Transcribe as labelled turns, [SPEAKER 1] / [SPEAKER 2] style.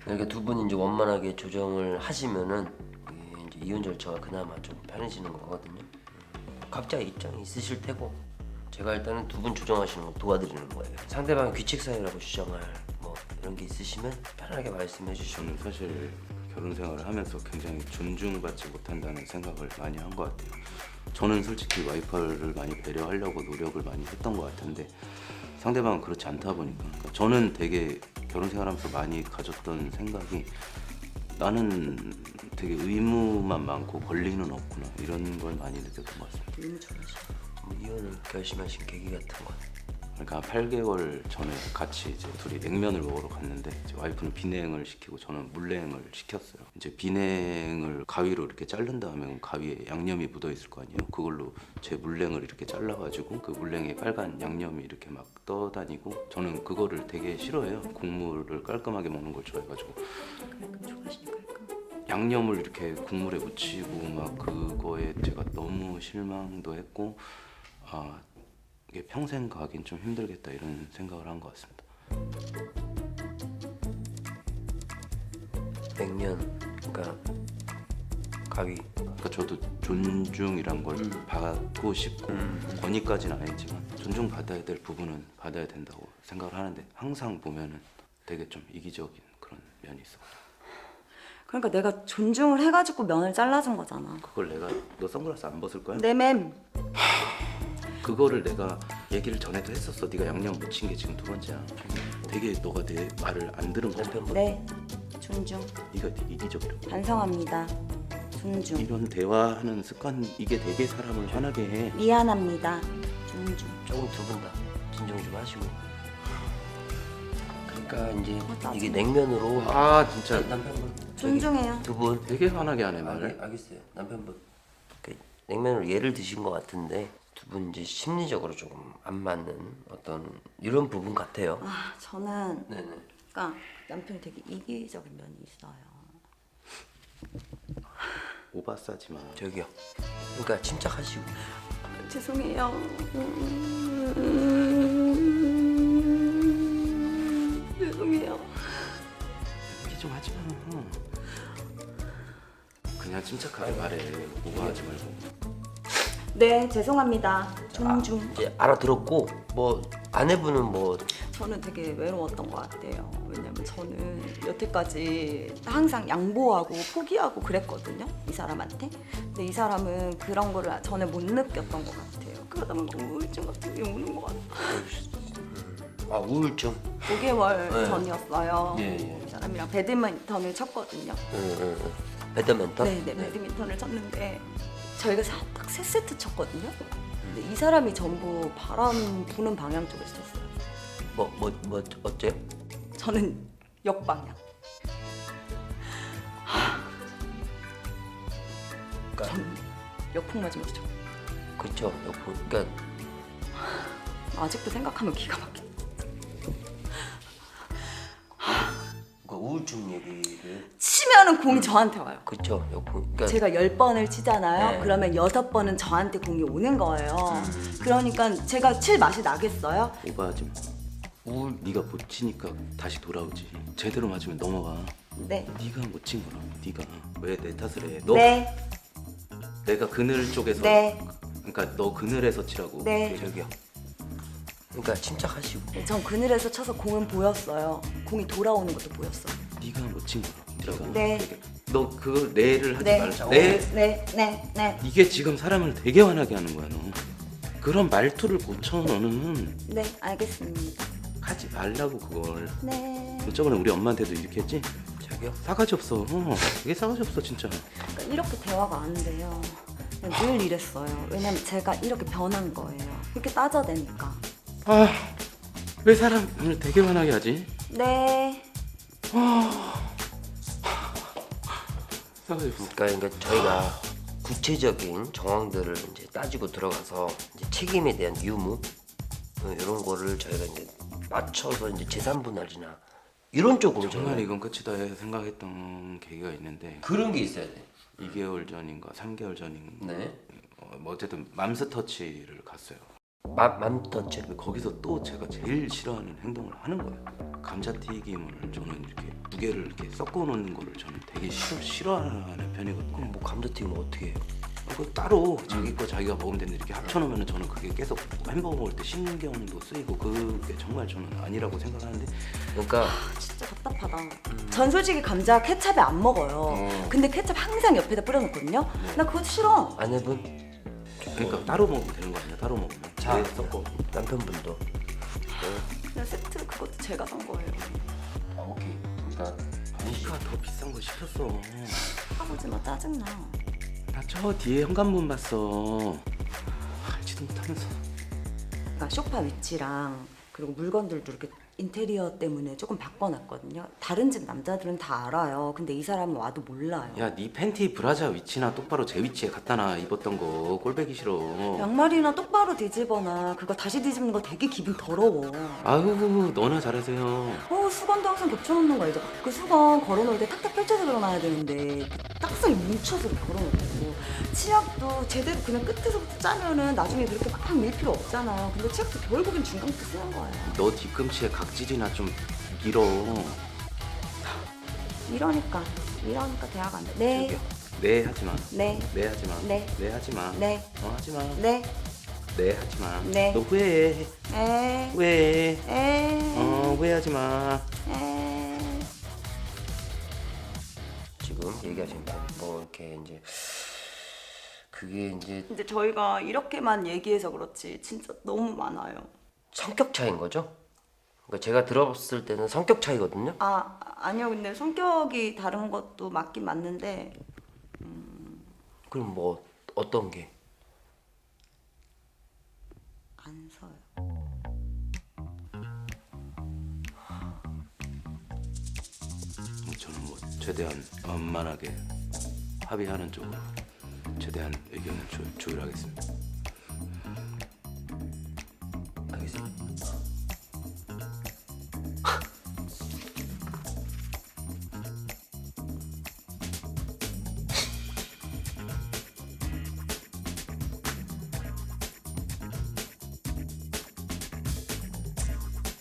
[SPEAKER 1] 그러니까 두 분이 이제 원만하게 조정을 하시면은 이제 이혼 절차가 그나마 좀 편해지는 거거든요. 각자 입장이 있으실 테고 제가 일단은 두 분 조정하시는 거 도와드리는 거예요. 상대방 규칙 사유라고 주장할 뭐 이런 게 있으시면 편하게 말씀해 주시면.
[SPEAKER 2] 저는 사실 결혼 생활을 하면서 굉장히 존중받지 못한다는 생각을 많이 한 것 같아요. 저는 솔직히 와이프를 많이 배려하려고 노력을 많이 했던 것 같은데 상대방은 그렇지 않다 보니까 그러니까 저는 되게 결혼 생활하면서 많이 가졌던 생각이 나는 되게 의무만 많고 권리는 없구나 이런 걸 많이 느꼈던 것 같습니다.
[SPEAKER 1] 의무 좋으시죠. 뭐 이혼을 결심하신 계기 같은 건?
[SPEAKER 2] 그러니까 8개월 전에 같이 이제 둘이 냉면을 먹으러 갔는데 이제 와이프는 비냉을 시키고 저는 물냉을 시켰어요. 이제 비냉을 가위로 이렇게 자른 다음에 가위에 양념이 묻어 있을 거 아니에요. 그걸로 제 물냉을 이렇게 잘라가지고 그 물냉에 빨간 양념이 이렇게 막 떠다니고 저는 그거를 되게 싫어해요. 국물을 깔끔하게 먹는 걸 좋아해가지고
[SPEAKER 1] 좋아하시니까.
[SPEAKER 2] 양념을 이렇게 국물에 묻히고 막 그거에 제가 너무 실망도 했고 이게 평생 가긴 좀 힘들겠다 이런 생각을 한 것 같습니다.
[SPEAKER 1] 냉면, 그러니까 가위.
[SPEAKER 2] 그러니까 저도 존중이란 걸 받고 싶고 권위까지는 아니지만 존중받아야 될 부분은 받아야 된다고 생각을 하는데 항상 보면은 되게 좀 이기적인 그런 면이 있어.
[SPEAKER 3] 그러니까 내가 존중을 해가지고 면을 잘라준 거잖아.
[SPEAKER 2] 그걸 내가 너 선글라스 안 벗을 거야?
[SPEAKER 3] 내 맴.
[SPEAKER 2] 그거를 내가 얘기를 전에도 했었어. 네가 양념 묻힌 게 지금 두 번째야. 되게 너가 내 말을 안 들은 거야.
[SPEAKER 3] 네. 존중.
[SPEAKER 2] 네가 되게 이기적이라고.
[SPEAKER 3] 반성합니다. 존중.
[SPEAKER 2] 이런 대화하는 습관 이게 되게 사람을 화나게 해.
[SPEAKER 3] 미안합니다. 존중.
[SPEAKER 1] 조금 두 분 다 진정 좀 하시고. 그러니까 이제
[SPEAKER 3] 짜증나.
[SPEAKER 1] 이게 냉면으로
[SPEAKER 2] 아 진짜
[SPEAKER 1] 남편분
[SPEAKER 3] 존중해요.
[SPEAKER 1] 두 분
[SPEAKER 2] 되게 화나게 하네 말을.
[SPEAKER 1] 알겠어요. 남편분 그 냉면으로 예를 드신 것 같은데 두 분 이제 심리적으로 조금 안 맞는 어떤 이런 부분 같아요.
[SPEAKER 3] 아, 저는
[SPEAKER 1] 네네.
[SPEAKER 3] 그러니까 남편이 되게 이기적인 면이 있어요.
[SPEAKER 2] 오바 싸지 마.
[SPEAKER 1] 저기요. 그러니까 침착하시고.
[SPEAKER 3] 죄송해요. 죄송해요.
[SPEAKER 2] 이렇게 좀 하지 마. 그냥 침착하게 말해. 오버하지 말고.
[SPEAKER 3] 네, 죄송합니다. 존중.
[SPEAKER 1] 이제 알아들었고 뭐 아내분은 뭐
[SPEAKER 3] 저는 되게 외로웠던 것 같아요. 왜냐면 저는 여태까지 항상 양보하고 포기하고 그랬거든요. 이 사람한테. 근데 이 사람은 그런 거를 전에 못 느꼈던 것 같아요. 그러다 보니까 우울증 같은 게 오는 것 같아요.
[SPEAKER 1] 아 우울증.
[SPEAKER 3] 5개월
[SPEAKER 1] 네.
[SPEAKER 3] 전이었어요.
[SPEAKER 1] 예, 예.
[SPEAKER 3] 이 사람이랑 배드민턴을 쳤거든요.
[SPEAKER 1] 응. 배드민턴?
[SPEAKER 3] 네, 배드민턴을 쳤는데 저희가 딱 3세트 쳤거든요. 근데 이 사람이 전부 바람 부는 방향 쪽에서 쳤어요.
[SPEAKER 1] 뭐 어째요?
[SPEAKER 3] 저는 역방향.
[SPEAKER 1] 그러니까
[SPEAKER 3] 저는 역풍 맞으면서 쳤어요.
[SPEAKER 1] 그쵸. 그러니까
[SPEAKER 3] 아직도 생각하면 기가 막혀.
[SPEAKER 1] 그 우울증 얘기를
[SPEAKER 3] 치면은 공이 저한테 와요.
[SPEAKER 1] 그쵸. 그러니까
[SPEAKER 3] 제가 10번을 치잖아요.
[SPEAKER 1] 네.
[SPEAKER 3] 그러면 6번은 저한테 공이 오는 거예요. 그러니까 제가 칠 맛이 나겠어요?
[SPEAKER 2] 오버하지 마. 네가 못 치니까 다시 돌아오지. 제대로 맞으면 넘어가.
[SPEAKER 3] 네.
[SPEAKER 2] 네가 못 친 거라고. 네가 왜 내 탓을 해? 너
[SPEAKER 3] 네.
[SPEAKER 2] 내가 그늘 쪽에서
[SPEAKER 3] 네.
[SPEAKER 2] 그러니까 너 그늘에서 치라고.
[SPEAKER 3] 네.
[SPEAKER 1] 저기요. 그러니까 침착하시고.
[SPEAKER 3] 전 그늘에서 쳐서 공은 보였어요. 공이 돌아오는 것도 보였어요.
[SPEAKER 2] 네가 못 친 거라고. 네가.
[SPEAKER 3] 네.
[SPEAKER 2] 너 그걸 내를 하지
[SPEAKER 3] 네.
[SPEAKER 2] 말자.
[SPEAKER 3] 네.
[SPEAKER 2] 이게 지금 사람을 되게 화나게 하는 거야 너. 그런 말투를 고쳐 너는.
[SPEAKER 3] 네, 알겠습니다.
[SPEAKER 2] 하지 말라고 그걸.
[SPEAKER 3] 네.
[SPEAKER 2] 너 저번에 우리 엄마한테도 이렇게 했지?
[SPEAKER 1] 저기요.
[SPEAKER 2] 싸가지 없어. 되게 싸가지 없어 진짜.
[SPEAKER 3] 그러니까 이렇게 대화가 안 돼요. 그냥 늘 이랬어요. 왜냐면 제가 이렇게 변한 거예요. 이렇게 따져대니까.
[SPEAKER 2] 왜 사람을 되게 화나게 하지?
[SPEAKER 3] 네.
[SPEAKER 2] 싸가지 없어.
[SPEAKER 1] 그러니까 저희가 구체적인 정황들을 이제 따지고 들어가서 이제 책임에 대한 유무 이런 거를 저희가 이제 맞춰서 이제 재산 분할이나 이런 쪽으로
[SPEAKER 2] 정말
[SPEAKER 1] 저희가
[SPEAKER 2] 이건 끝이다 해 생각했던 계기가 있는데
[SPEAKER 1] 그런 게 있어야 돼.
[SPEAKER 2] 2개월 전인가 3개월 전인가
[SPEAKER 1] 네.
[SPEAKER 2] 뭐 어쨌든 맘스터치를 갔어요.
[SPEAKER 1] 맘떴죠.
[SPEAKER 2] 거기서 또 제가 제일 싫어하는 행동을 하는 거예요. 감자튀김을 저는 이렇게 두 개를 이렇게 섞어 놓는 거를 저는 되게 싫어하는 편이거든요.
[SPEAKER 1] 그럼 뭐 감자튀김 어떻게 해요?
[SPEAKER 2] 그 따로 자기 거 자기가 먹으면 되는데 이렇게 합쳐놓으면 저는 그게 계속 햄버거 먹을 때 신경도 쓰이고 그게 정말 저는 아니라고 생각하는데
[SPEAKER 1] 그러니까
[SPEAKER 3] 진짜 답답하다. 전 솔직히 감자 케찹에 안 먹어요. 근데 케찹 항상 옆에다 뿌려놓거든요. 나 그거 싫어.
[SPEAKER 1] 아내분
[SPEAKER 2] 그러니까 따로 먹으면 되는 거 아니야? 따로 먹으면
[SPEAKER 1] 자.
[SPEAKER 2] 왜 섞어?
[SPEAKER 1] 남편분도
[SPEAKER 3] 그냥 세트 그것도 제가 산 거예요.
[SPEAKER 1] 오케이. 그러니까
[SPEAKER 2] 니가 더 비싼 거 시켰어.
[SPEAKER 3] 아버지만 짜증나.
[SPEAKER 2] 나 저 뒤에 현관문 봤어. 알지도 못하면서.
[SPEAKER 3] 그러니까 소파 위치랑 그리고 물건들도 이렇게 인테리어 때문에 조금 바꿔놨거든요. 다른 집 남자들은 다 알아요. 근데 이 사람은 와도 몰라요.
[SPEAKER 2] 야, 네 팬티 브라자 위치나 똑바로 제 위치에 갖다 놔. 입었던 거 꼴배기 싫어.
[SPEAKER 3] 양말이나 똑바로 뒤집어놔. 그거 다시 뒤집는 거 되게 기분 더러워.
[SPEAKER 2] 아유, 너나 잘하세요.
[SPEAKER 3] 수건도 항상 겹쳐놓는 거 알죠? 그 수건 걸어놓을 때 탁탁 펼쳐서 걸어놔야 되는데 딱딱하게 뭉쳐서 걸어놓고 치약도 제대로 그냥 끝에서부터 짜면은 나중에 그렇게 막 밀 필요 없잖아요. 근데 치약도 결국엔 중간부터 쓰는 거예요.
[SPEAKER 2] 너 뒤꿈치에 각질이나 좀 밀어.
[SPEAKER 3] 이러니까 대화가 안 돼. 네,
[SPEAKER 2] 저기요. 네 하지 마.
[SPEAKER 3] 네,
[SPEAKER 2] 네 하지 마.
[SPEAKER 3] 네.
[SPEAKER 2] 네 하지 마.
[SPEAKER 3] 네,
[SPEAKER 2] 하지 마.
[SPEAKER 3] 네,
[SPEAKER 2] 네 하지 마.
[SPEAKER 3] 네.
[SPEAKER 2] 너 후회해.
[SPEAKER 3] 에,
[SPEAKER 2] 후회해.
[SPEAKER 3] 에,
[SPEAKER 2] 후회하지 마.
[SPEAKER 3] 에.
[SPEAKER 1] 지금 얘기하신 뭐 이렇게 이제 그게 이제
[SPEAKER 3] 근데 저희가 이렇게만 얘기해서 그렇지 진짜 너무 많아요.
[SPEAKER 1] 성격 차이인 거죠? 그러니까 제가 들어봤을 때는 성격 차이거든요.
[SPEAKER 3] 아니요. 근데 성격이 다른 것도 맞긴 맞는데
[SPEAKER 1] 그럼 뭐 어떤 게?
[SPEAKER 3] 안 서요.
[SPEAKER 2] 저는 뭐 최대한 원만하게 합의하는 쪽으로 최대한 의견을 조율하겠습니다.